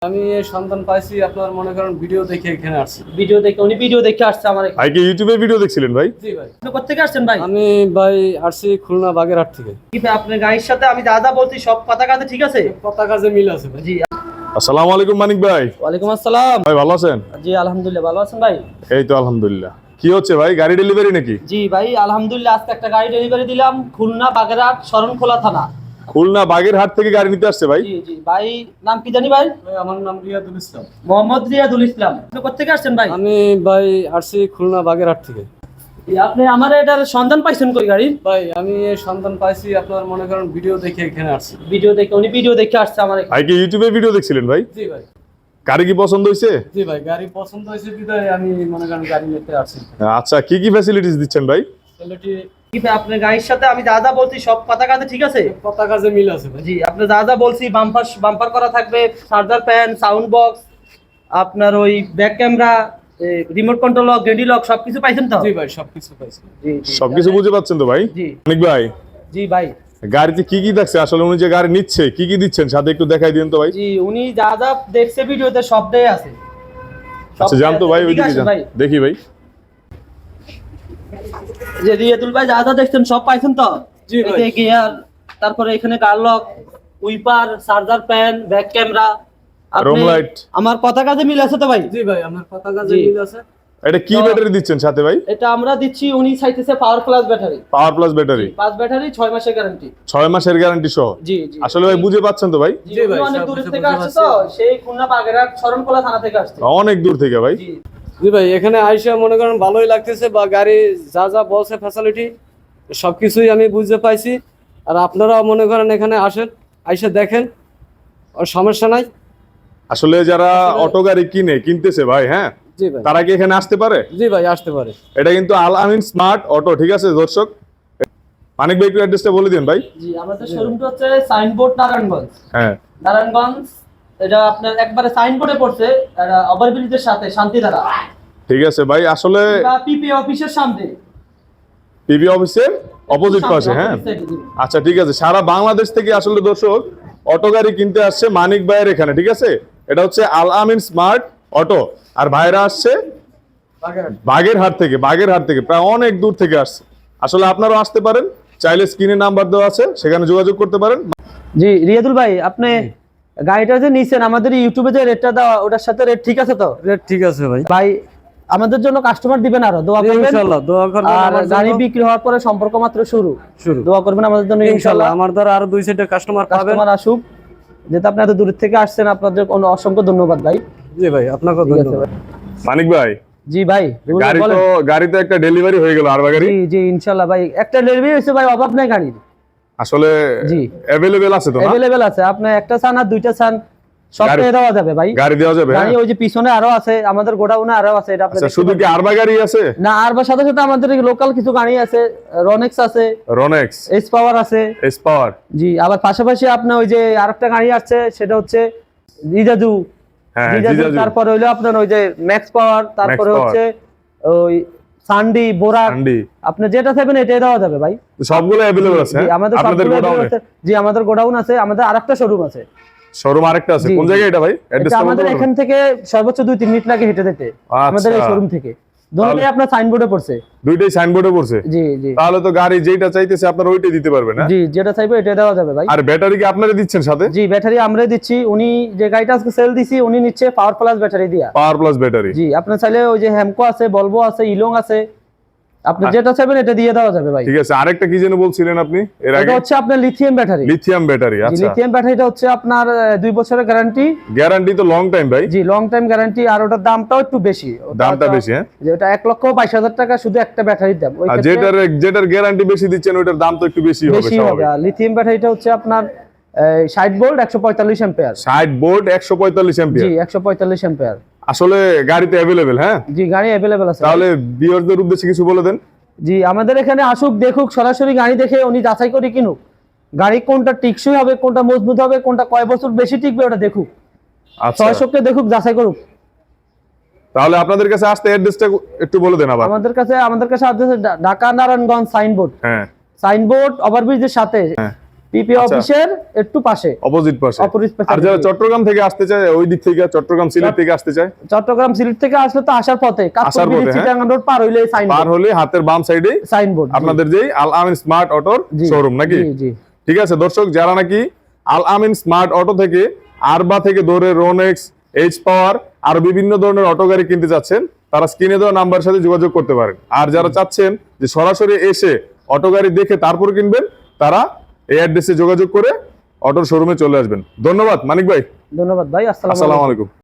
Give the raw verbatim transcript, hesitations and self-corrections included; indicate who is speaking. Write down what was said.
Speaker 1: আমি এই সন্ধান পাইছি আপনার মনে করেন ভিডিও দেখে এখানে আসছি।
Speaker 2: ভিডিও দেখে উনি ভিডিও দেখে আসছে আমার এখানে।
Speaker 3: ভাই কি ইউটিউবে ভিডিও দেখছিলেন ভাই?
Speaker 1: জি ভাই।
Speaker 2: আপনি কোথা থেকে আসছেন ভাই?
Speaker 1: আমি ভাই আসছি খুলনা বাগেরহাট থেকে।
Speaker 2: কি ভাই আপনার গাড়ির সাথে আমি যা যা বলছি সব কথা কাজে ঠিক আছে?
Speaker 1: কথা কাজে মিল আছে ভাই।
Speaker 2: জি।
Speaker 3: আসসালামু আলাইকুম মানিক ভাই।
Speaker 2: ওয়ালাইকুম আসসালাম।
Speaker 3: ভাই ভালো আছেন?
Speaker 2: জি আলহামদুলিল্লাহ, ভালো আছেন ভাই?
Speaker 3: এই তো আলহামদুলিল্লাহ। কি হচ্ছে ভাই, গাড়ি ডেলিভারি নাকি?
Speaker 2: জি ভাই আলহামদুলিল্লাহ, আজকে একটা গাড়ি ডেলিভারি দিলাম খুলনা বাগেরহাট শরণখোলা থানা।
Speaker 3: খুলনা বাগেরহাট থেকে গাড়ি নিতে আসছে ভাই?
Speaker 2: জি জি ভাই, নাম কি জানি ভাই?
Speaker 1: ভাই আমার নাম রিয়াদুল ইসলাম।
Speaker 2: মোহাম্মদ রিয়াদুল ইসলাম। আপনি কোথা থেকে আসছেন ভাই?
Speaker 1: আমি ভাই আসছি খুলনা বাগেরহাট থেকে।
Speaker 2: জি, আপনি আমার এটার সন্ধান পাইছেন কই গাড়ির?
Speaker 1: ভাই আমি এই সন্ধান পাইছি আপনার মনে করেন ভিডিও দেখে এখানে আসছি।
Speaker 2: ভিডিও দেখে উনি ভিডিও দেখে আসছে আমার এখানে।
Speaker 3: ভাই কি ইউটিউবে ভিডিও দেখছিলেন ভাই?
Speaker 1: জি ভাই।
Speaker 3: গাড়ি কি পছন্দ হয়েছে?
Speaker 1: জি ভাই, গাড়ি পছন্দ হয়েছে বিধায় আমি মনে করেন গাড়ি নিতে আসছি।
Speaker 3: আচ্ছা, কি কি ফ্যাসিলিটিস দিচ্ছেন ভাই?
Speaker 1: ছেলেটি
Speaker 2: কি ভাই আপনার গাড়ির সাথে আমি যা যা বলছি সব কথা কাজে ঠিক আছে?
Speaker 1: কথা কাজে মিল আছে ভাই।
Speaker 2: জি, আপনি যা যা বলছি বাম্পার বাম্পার করা থাকবে, চার্জার ফ্যান, সাউন্ড বক্স, আপনার ওই back camera, remote control lock, গ্রেডি লক সবকিছু পাইছেন তো?
Speaker 1: জি ভাই সবকিছু পাইছি।
Speaker 2: জি জি।
Speaker 3: সবকিছু বুঝে পাচ্ছেন তো ভাই?
Speaker 2: জি
Speaker 3: মানিক ভাই,
Speaker 2: জি ভাই।
Speaker 3: গাড়িতে কি কি দেখছে আসলে, উনি যে গাড়ি নিচ্ছে কি কি দিচ্ছেন সাথে একটু দেখাই দিন তো ভাই।
Speaker 2: জি, উনি যা যা দেখছে ভিডিওতে সবটাই আছে।
Speaker 3: আচ্ছা জান তো ভাই, ওইদিকে যান দেখি ভাই।
Speaker 2: যে রিয়াদুল ভাই যা যা দেখছেন সব পাইছেন তো?
Speaker 1: জি ভাই।
Speaker 2: এতে গিয়ার, তারপরে এখানে gear lock, wiper, charger fan, back camera,
Speaker 3: room light.
Speaker 2: আমার কথা কাজে মিল আছে তো ভাই?
Speaker 1: জি ভাই আমার কথা কাজে
Speaker 2: জি।
Speaker 1: মিল আছে।
Speaker 3: এটা কি
Speaker 2: তো-
Speaker 3: ব্যাটারি দিচ্ছেন সাথে ভাই?
Speaker 2: এটা আমরা দিচ্ছি, উনি চাইতেছে power plus battery.
Speaker 3: Power plus battery,
Speaker 2: পাঁচ ব্যাটারি ছয় মাসের গ্যারান্টি।
Speaker 3: ছয় মাসের গ্যারান্টি সহ।
Speaker 2: জি জি।
Speaker 3: আসলে ভাই বুঝে পাচ্ছেন তো ভাই?
Speaker 2: জি
Speaker 1: জি ভাই,
Speaker 2: উনি অনেক
Speaker 1: সব
Speaker 2: দূর
Speaker 1: কিছু
Speaker 2: থেকে
Speaker 1: বুঝতে
Speaker 2: আসছে তো, সেই খুলনা বাগেরহাট শরণখোলা থানা থেকে আসছে।
Speaker 3: অনেক দূর থেকে ভাই।
Speaker 2: জি
Speaker 1: জি ভাই, এখানে আইসা মনে করেন ভালোই লাগতেছে, বা গাড়ি যা যা বলছে ফ্যাসিলিটি সবকিছুই আমি বুঝতে পাইছি। আর আপনারাও মনে করেন এখানে আসেন, আইসা দেখেন, আর সমস্যা নাই।
Speaker 3: আসলে যারা অটো গাড়ি কিনে কিনতেছে ভাই, হ্যাঁ,
Speaker 1: জি ভাই।
Speaker 3: তারা কি এখানে আসতে পারে?
Speaker 1: জি ভাই আসতে পারে।
Speaker 3: এটা কিন্তু আল আমিন স্মার্ট অটো, ঠিক আছে দর্শক? মানিক ভাই একটু অ্যাড্রেসটা বলে দিন ভাই।
Speaker 2: জি, আমাদের শোরুমটা হচ্ছে সাইনবোর্ড নারায়ণগঞ্জ।
Speaker 3: হ্যাঁ
Speaker 2: নারায়ণগঞ্জ, এটা আপনার একবারে সাইনবোর্ডে পড়ছে, এটা ওভারব্রিজের সাথে শান্তিধারা,
Speaker 3: ঠিক আছে ভাই। আসলে
Speaker 2: বা পিপি অফিসের সামনে,
Speaker 3: পিবি অফিসের অপোজিট পাশে, হ্যাঁ। আচ্ছা ঠিক আছে, সারা বাংলাদেশ থেকে আসলে দর্শক অটো গাড়ি কিনতে আসছে মানিক ভাইয়ের এখানে, ঠিক আছে? এটা হচ্ছে আল আমিন স্মার্ট অটো, আর ভাইরা আসছে বাগেরহাট থেকে। বাগেরহাট থেকে প্রায় অনেক দূর থেকে আসছে। আসলে আপনারাও আসতে পারেন, চাইলে স্ক্রিনে নাম্বার দেওয়া আছে, সেখানে যোগাযোগ করতে পারেন।
Speaker 2: জি রিয়াদুল ভাই, আপনি গাড়িটা যে নিছেন আমাদের ইউটিউবে যে রেটটা দেওয়া, ওটার সাথে রেট ঠিক আছে তো?
Speaker 1: রেট ঠিক আছে ভাই।
Speaker 2: ভাই আমাদের জন্য কাস্টমার দিবেন, আরো দোয়া করবেন
Speaker 1: ইনশাআল্লাহ দোয়া করবেন
Speaker 2: আর
Speaker 1: আমার
Speaker 2: গাড়ি
Speaker 1: জন্য।
Speaker 2: বিক্রি হওয়ার পরে সম্পর্ক মাত্র শুরু
Speaker 1: শুরু।
Speaker 2: দোয়া করবেন আমাদের জন্য
Speaker 1: ইনশাআল্লাহ
Speaker 2: ইনশাআল্লাহ।
Speaker 1: আমার দ্বারা আরো দুই সাইডে কাস্টমার পাবেন।
Speaker 2: কাস্টমার আসুক, যেহেতু আপনি এত দূর থেকে আসছেন, আপনাদের কোনো অসংখ্য ধন্যবাদ ভাই।
Speaker 1: জি ভাই আপনাকেও
Speaker 2: ঠিক আছে
Speaker 1: ধন্যবাদ।
Speaker 2: ভাই।
Speaker 3: মানিক ভাই,
Speaker 2: জি ভাই
Speaker 3: গাড়ি
Speaker 2: বলেন।
Speaker 3: তো গাড়ি তো একটা ডেলিভারি হয়ে গেল, আর গাড়ি
Speaker 2: জি জি ইনশাআল্লাহ ভাই, একটা ডেলিভারি হয়েছে ভাই, অভাব নাই গাড়ির।
Speaker 3: আসলে
Speaker 2: জি
Speaker 3: অ্যাভেলেবেল আছে তো না?
Speaker 2: अवेलेबल আছে, আপনি একটা চান আর দুইটা চান সব
Speaker 3: গাড়ি-
Speaker 2: পেয়ে দেওয়া যাবে ভাই।
Speaker 3: গাড়ি দেওয়া যাবে, হ্যাঁ?
Speaker 2: গাড়ি ওই যে পিছনে আরো আছে, আমাদের গোডাউনে আরো আছে, এটা আপনি
Speaker 3: আচ্ছা,
Speaker 2: দেখতে
Speaker 3: শুধু কি
Speaker 2: পারেন।
Speaker 3: আরবা গাড়ি আছে?
Speaker 2: না, আর বা সাথে সাথে আমাদের লোকাল কিছু গাড়ি আছে, রনেক্স আছে,
Speaker 3: রনেক্স,
Speaker 2: এস পাওয়ার আছে।
Speaker 3: S power.
Speaker 2: জি, আবার পাশাপাশি আপনার ওই যে আরেকটা গাড়ি আছে, সেটা হচ্ছে জিজাজু।
Speaker 3: হ্যাঁ
Speaker 2: জিজাজু,
Speaker 3: জিজাজু।
Speaker 2: তারপরে হইলো আপনার ওই যে ম্যাক্স পাওয়ার, তারপরে
Speaker 3: Max Power।
Speaker 2: হচ্ছে ওই সান্ডি, বোরাক,
Speaker 3: আন্ডি,
Speaker 2: আপনি যেটা চাইবেন এটাই দেওয়া যাবে ভাই।
Speaker 3: সবগুলো অ্যাভেলেবেল আছে,
Speaker 2: জি,
Speaker 3: হ্যাঁ?
Speaker 2: আমাদের
Speaker 3: আপনাদের
Speaker 2: সবগুলো
Speaker 3: গোডাউনে
Speaker 2: আছে। জি, আমাদের গোডাউন আছে, আমাদের আরেকটা শোরুম আছে।
Speaker 3: শোরুম আরেকটা আছে,
Speaker 2: জি,
Speaker 3: কোন
Speaker 2: জি।
Speaker 3: জায়গায় এটা ভাই?
Speaker 2: এটা
Speaker 3: অ্যাড্রেসটা বলতে
Speaker 2: আমাদের
Speaker 3: পারবেন?
Speaker 2: এখান থেকে সর্বোচ্চ দুই তিন মিনিট লাগে হেঁটে যেতে, আমাদের এই
Speaker 3: আচ্ছা।
Speaker 2: শোরুম থেকে। দুটোই আপনার সাইনবোর্ডে পড়ছে।
Speaker 3: দুইটাই সাইনবোর্ডে পড়ছে।
Speaker 2: জি জি
Speaker 3: তাহলে তো গাড়ি যেটা চাইতেছে আপনারা ওইটাই দিতে পারবেন, হ্যাঁ?
Speaker 2: জি, যেটা চাইবে এটা দেওয়া যাবে ভাই।
Speaker 3: আর ব্যাটারি কি আপনারা দিচ্ছেন সাথে?
Speaker 2: জি, ব্যাটারি আমরাই দিচ্ছি। উনি যে গাড়িটা আজকে সেল দিছি, উনি নিচ্ছে পাওয়ার প্লাস ব্যাটারি দিয়া।
Speaker 3: পাওয়ার প্লাস ব্যাটারি।
Speaker 2: জি, আপনি চাইলে ওই যে হ্যামকো আছে, বলবো আছে, ইলং আছে, আপনি যেটা চাইবেন এটা দিয়ে দেওয়া যাবে ভাই।
Speaker 3: ঠিক আছে, আরেকটা কি যেন বলছিলেন আপনি এর আগে?
Speaker 2: এটা হচ্ছে আপনার লিথিয়াম ব্যাটারি।
Speaker 3: Lithium battery. আচ্ছা,
Speaker 2: লিথিয়াম ব্যাটারিটা হচ্ছে আপনার আহ, দুই বছরের গ্যারান্টি।
Speaker 3: গ্যারান্টি তো লং টাইম ভাই।
Speaker 2: জি, লং টাইম গ্যারান্টি, আর ওটার দামটাও একটু বেশি। ওটা
Speaker 3: দামটা
Speaker 2: হচ্ছে-
Speaker 3: বেশি, হ্যাঁ?
Speaker 2: যে ওটা এক লক্ষ বাইশ হাজার টাকা শুধু একটা ব্যাটারির দাম। ওই
Speaker 3: আর
Speaker 2: ক্ষেত্রে
Speaker 3: যেটার যেটার গ্যারান্টি বেশি দিচ্ছেন ওইটার দাম তো একটু বেশি হবে
Speaker 2: বেশি হবে।
Speaker 3: স্বাভাবিক।
Speaker 2: আর লিথিয়াম ব্যাটারিটা হচ্ছে আপনার ষাট ভোল্ট একশো পঁয়তাল্লিশ অ্যাম্পিয়ার।
Speaker 3: ষাট ভোল্ট একশো পঁয়তাল্লিশ
Speaker 2: জি,
Speaker 3: অ্যাম্পিয়ার।
Speaker 2: একশো পঁয়তাল্লিশ অ্যাম্পিয়ার।
Speaker 3: আসলে গাড়িতে অ্যাভেলেবেল, হ্যাঁ?
Speaker 2: জি, গাড়ি অ্যাভেলেবেল আছে।
Speaker 3: তাহলে ভিউয়ারদের উদ্দেশ্যে কিছু বলে দেন।
Speaker 2: জি, আমাদের এখানে আসুক, দেখুক, সরাসরি গাড়ি দেখে উনি যাচাই করে কিনুক। গাড়ি কোনটা টিকসই হবে, কোনটা মজবুত হবে, কোনটা কয় বছর বেশি টিকবে, ওটা দেখুক।
Speaker 3: আচ্ছা,
Speaker 2: ছয়শোকে দেখুক, যাচাই করুক।
Speaker 3: তাহলে আপনাদের কাছে আসতে অ্যাড্রেসটা একটু বলে দেন আবার।
Speaker 2: আমাদের কাছে আমাদের কাছে আদর্শ ঢাকা নারায়ণগঞ্জ সাইনবোর্ড।
Speaker 3: হ্যাঁ
Speaker 2: সাইনবোর্ড ওভারব্রিজের সাথে।
Speaker 3: হ্যাঁ।
Speaker 2: পিপি
Speaker 3: আচ্ছা।
Speaker 2: অফিসের একটু পাশে,
Speaker 3: অপোজিট পাশে।
Speaker 2: অপোজিট পাশে।
Speaker 3: আর যারা চট্টগ্রাম থেকে আসতে চায় ওই দিক থেকে, চট্টগ্রাম সিলেট থেকে আসতে চায়,
Speaker 2: চট্টগ্রাম সিলেট থেকে আসলে তো আসার পথে
Speaker 3: আসার
Speaker 2: কাপড়
Speaker 3: পথে, হ্যাঁ।
Speaker 2: চিটাগাং রোড পার হইলে
Speaker 3: পার
Speaker 2: সাইনবোর্ড,
Speaker 3: হলে হাতের বাম সাইডে
Speaker 2: সাইনবোর্ড
Speaker 3: আপনাদের যেই আল আমিন স্মার্ট অটোর
Speaker 2: জি,
Speaker 3: শোরুম নাকি?
Speaker 2: জি জি।
Speaker 3: ঠিক আছে দর্শক, যারা নাকি আল আমিন স্মার্ট অটো থেকে আরবা থেকে ধরে রোনেক্স, এইচ পাওয়ার আর বিভিন্ন ধরনের অটো গাড়ি কিনতে চাচ্ছেন, তারা স্ক্রিনে দেওয়া নাম্বারের সাথে যোগাযোগ করতে পারেন। আর যারা চাচ্ছেন যে সরাসরি এসে অটো গাড়ি দেখে তারপর কিনবেন, তারা এই অ্যাড্রেসে যোগাযোগ করে অটোর শোরুমে চলে আসবেন। ধন্যবাদ মানিক ভাই,
Speaker 2: ধন্যবাদ ভাই, আসসালামু
Speaker 3: আসসালামু
Speaker 2: আলাইকুম।
Speaker 3: আলাইকুম।